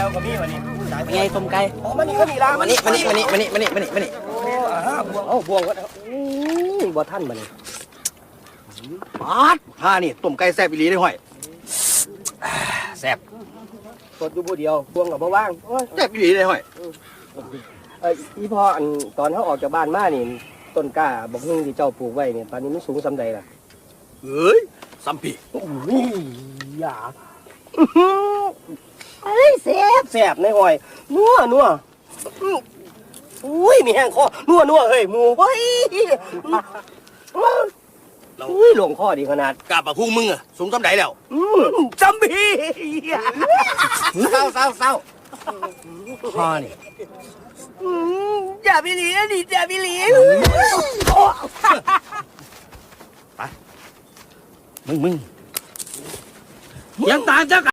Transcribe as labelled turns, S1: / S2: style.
S1: กับพี่วันนี้
S2: เป็นไงต้มไก่
S1: อ๋อมันนี่ก็มีร้าน
S2: มานี่
S1: โอ้บวงบวงก็บ่ท่านมานี่
S2: ปาดผ้านี่ต้มไก่แซ่บอีหลีได้ห้อยแซ่บ
S1: สดอยู่ผู้เดียวบวงกับบ่ว่างโอ้ย
S2: แซ่บอีหลีได้ห้อย
S1: อีพ่ออันตอนเขาออกจากบ้านมานี่ต้นกล้าบอกฮึ่งที่เจ้าปลูกไว้เนี่ยตอนนี้มันสูงสำใดล่ะ
S2: เอ้ยซัมปี
S1: โอ้ยอย่าเอ้ยแซ่บในหอยนัวอุ้ยมีแห้งคอนัวเฮ้ยหมูเฮ้ยอุ้ยหลงคอดีขนาด
S2: กาบปะพุงมึงอะสูงซ้ำใดแล้ว
S1: จำพี่
S2: เศร้าผ้านี่
S1: อย่าไปหลีนะดิอย่าไปหลี
S2: มึงยังตามเจ้า